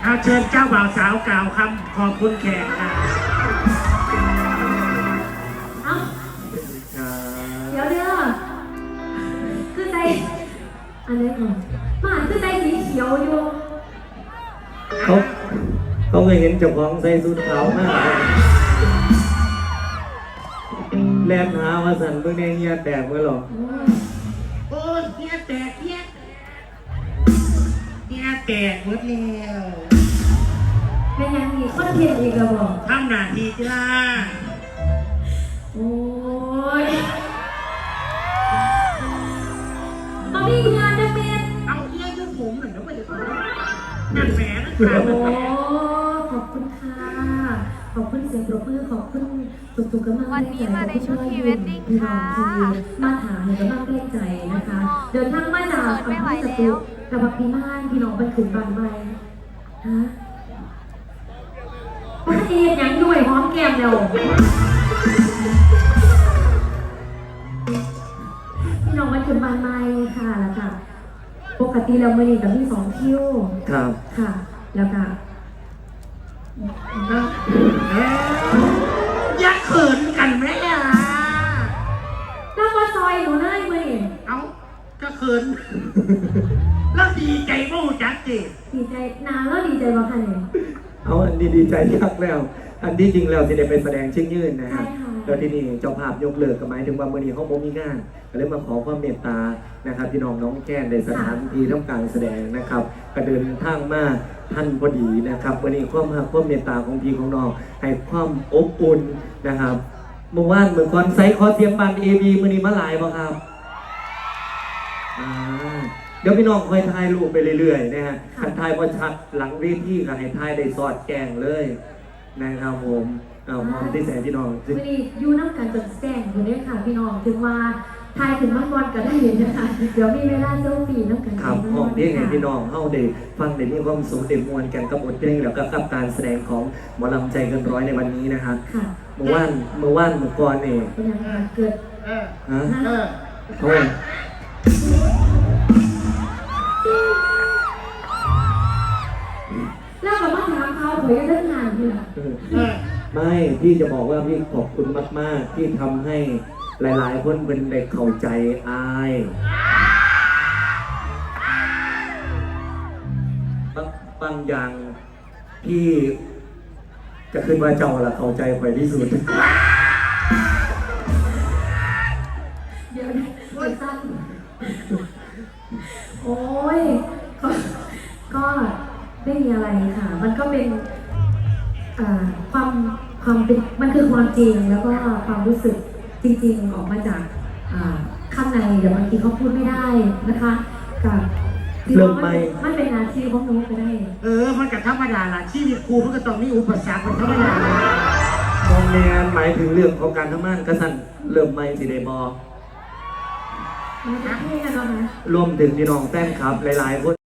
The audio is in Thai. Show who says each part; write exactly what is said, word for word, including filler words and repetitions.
Speaker 1: เอาเชิญเจ้าบ่าวสาวกล่าวคำขอบคุณแขกค่ะ
Speaker 2: เอ้าเดี๋ยวเด้อคือใจอันนี้ก่อนมาคือใจสีเขียวอยู่
Speaker 3: เขาเขาเคยเห็นเจ้าของใส่สูทขาวมากแลนหาว่าสันเมื่อไงเฮียแตกเมื่อหรอ
Speaker 1: โอ้ยเฮียแตกเฮียเฮียแตกหมดแล้ว
Speaker 2: เป็นยังอีกคนเทียนอีกแล้วบอก
Speaker 1: ทำหน้าที่จ้า
Speaker 2: โอ้ยมามีงานจะเป็น
Speaker 1: เอาเฮียยุ่งผมหน่อยนะไม่ได้นั่นแหมนั่นแหม
Speaker 2: โอ้ขอบคุณค่ะขอบคุณเสียงปรบมือขอบคุณทุกๆกำลังใจ
Speaker 4: วันนี้มาในชุดพรีเวดดิ้งค่ะ
Speaker 2: มาถามเนี่ยกำลังเล่นใจนะคะเดินทางมาจากอำเภอสตึกกับพักพิมานพี่น้องไปขึ้นบ้านใหม่ฮะพระเอกยังด้วยหอมแก้มเร็วพี่น้องไปขึ้นบ้านใหม่ค่ะแล้วค่ะปกติเราไม่ได้กับพี่สองคิว
Speaker 3: ครับ
Speaker 2: ค่ะแล้วก็
Speaker 1: ยักเขินกันไหมอ่ะ
Speaker 2: แล้วมาซอยหนูได้ไหม
Speaker 1: เอาก็เขินแล้วดีใจมู่จัดจิ
Speaker 2: ดีใจนานแล้วดีใจมาค่ะเนี่ย
Speaker 3: เอาอันดีดีใจยักแล้วอันที่จริงแล้วสิได้ไปแสดงชิ้นยืนนะครับแล้วที่นี่เจ้าภาพยกเลิกกับหมายถึงว่าเมื่อนี้เขาโมมีงานก็เลยมาขอความเมตตานะครับพี่น้องน้องแก้นในสถานที่ทำการแสดงนะครับก็เดินทางมาท่านพอดีนะครับวันนี้ความหักความเมตตาของพี่ของน้องให้ความอบอุ่นนะครับเมื่อวานเหมือนคอนไซต์คอเทียมบันเอบีมื่อนี้มาหลายป่ะครับเดี๋ยวพี่น้องคอยถ่ายรูปไปเรื่อยๆนะฮะขันถ่ายพอชัดหลังเวทีก็ให้ถ่ายได้สอดแกงเลยนะครับผมเอามองที่แสงพี่น้อง
Speaker 2: วันนี้ยูน้ำการจดแจ้งอยู่เนี่ยค่ะพี่น้องถึงว่าทายถึงมังกรก็ได้เห็นนะคะเดี๋ยวมีเวลาเซลฟี่น้ำกัน
Speaker 3: ครับห้องเพียงไงพี่น้องเข้าได้ฟังได้มีความสุขได้มวลกันกับบทเพลงแล้วก็กับการแสดงของหมอลำใจเกินร้อยในวันนี้นะครับเมื่อวานเมื่อวานเมื่อก่อนเอง
Speaker 2: เป็นยังไงเกิด
Speaker 3: ฮะโอ้
Speaker 2: แล้วก็มาถามเขาเผยเรื่องงานนี่แหละ
Speaker 3: ไม่พี่จะบอกว่าพี่ขอบคุณมากๆที่ทำให้หลายๆคนเป็นเด็กเข้าใจอายบางบางอย่างพี่จะขึ้นว่าเจ้าละเข้าใจใครที่สุด
Speaker 2: เดี๋ยวนะสั้นโอ้ยก็ก็ไม่มีอะไรค่ะมันก็เป็นความความเป็นมันคือความจริงแล้วก็ความรู้สึกจริงๆออกมาจากข้างในเดี๋ยวบางทีเขาพูดไม่ได้นะคะกับ
Speaker 3: เริ่มไม่
Speaker 2: มันเป็นนาทีของหนูก็ได้
Speaker 1: เออมันกับธรรมดาล่ะชีวิตครูมันก็ต้องมีอุปสรรคเป็นธรรมดาม
Speaker 3: องในงานหมายถึงเรื่องของการทำงานกระสันเริ่มไม่สิได้บอรวมถึงพี่น้องแฟนคลับหลายๆคน